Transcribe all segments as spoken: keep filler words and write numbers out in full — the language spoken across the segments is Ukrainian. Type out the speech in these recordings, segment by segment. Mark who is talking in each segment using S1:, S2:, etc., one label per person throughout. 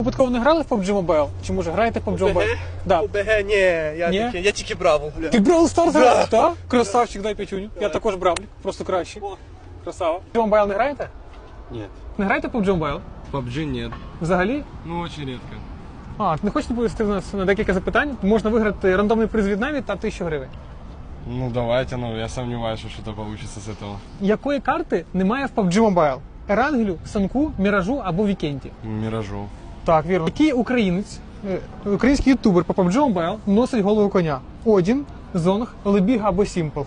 S1: Випадково не грали в пабг Mobile? Чи може граєте в пабг Mobile? Да.
S2: ОБГ, ні, я,
S1: Ні?
S2: Тільки, я тільки Бравл.
S1: Ти Brawl Stars граєш, так? Красавчик, дай п'ятюню. Я також бравлік, просто краще. Красава. пабг Mobile не граєте?
S3: Нет.
S1: Не граєте в пабг Mobile?
S3: пабг нет.
S1: Взагалі?
S3: Ну, очень редко.
S1: А, не хочете повести в нас на декілька запитань? Можна виграти рандомний приз від Наві та тисячу гривень.
S3: Ну, давайте, ну, я сомневаюсь, что что-то получится с этого.
S1: Якої карти немає в пабг Mobile? Ерангелю, Санку, Міражу або Вікенті?
S3: Миражу.
S1: Так, вірно. Який українець, е, український ютубер по пабг Mobile носить голову коня? Одін, Зонг, Лебіга або Сімпл?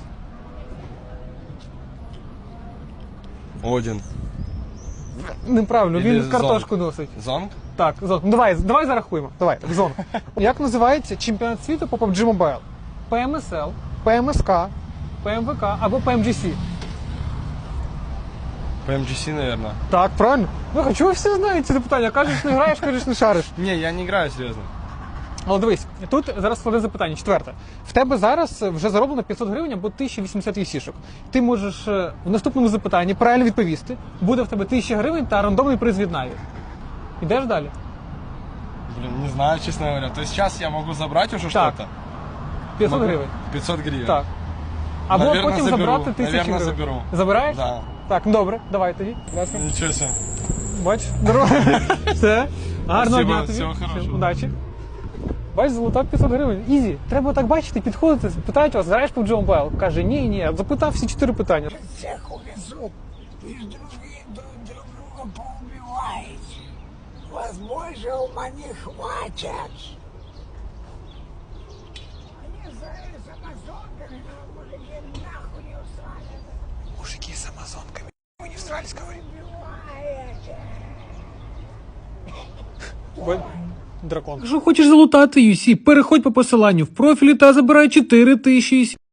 S3: Один.
S1: Неправильно,
S3: Ілі
S1: він картошку носить.
S3: Зонг?
S1: Так, Зонг. Ну давай, давай зарахуємо. Давай, Зонг. Як називається чемпіонат світу по пабг Mobile? пі ем ес ел, пі ем ес ка, пі ем ве ка або пі ем джі сі?
S3: пі-ем-джі-сі, наверное.
S1: Так, правильно. Ну, а чого всі знають ці питання? Кажеш, не граєш, кажеш, не шариш.
S3: Не, я не играю, серьезно.
S1: Але дивись, тут зараз складне запитання. Четверте. В тебе зараз вже зароблено п'ятсот гривень або тисяча вісімдесят вісішок. Ти можеш е, в наступному запитанні правильно відповісти. Буде в тебе тисяча гривень та рандомний приз від Наві. Ідеш далі?
S3: Блин, не знаю, честно говоря. То есть сейчас я могу забрать уже
S1: Так.
S3: что-то?
S1: п'ятсот
S3: Могу?
S1: гривень.
S3: пятьсот гривен.
S1: Так. Або
S3: Наверно,
S1: потім
S3: заберу.
S1: забрати тисячу
S3: Наверно,
S1: гривень.
S3: заберу.
S1: Забираєш?
S3: Да.
S1: Так, ну добре, давай тоді. Будь ласка.
S3: Ничего себе.
S1: Бач, здорово. Все. Гарного
S3: Спасибо,
S1: дня тобі.
S3: всього хорошого.
S1: Удачі. Бач, золота п'ятсот гривень. Ізі. Треба так бачити, підходити, питають вас, граєш пабг Mobile? Каже, ні, ні. Запитав всі чотири питання.
S4: Всех увезут, и другие друг, друг друга поубиваете. Вас больше ума не хватит. Они с, с амазонками, но мужики нахуй не усрали.
S1: Мужики з амазонками. Ви не всрались, говори.
S4: Убиваете.
S1: Дракон. Якщо хочеш залутати ю сі, переходь по посиланню в профілі та забирай чотири тисячі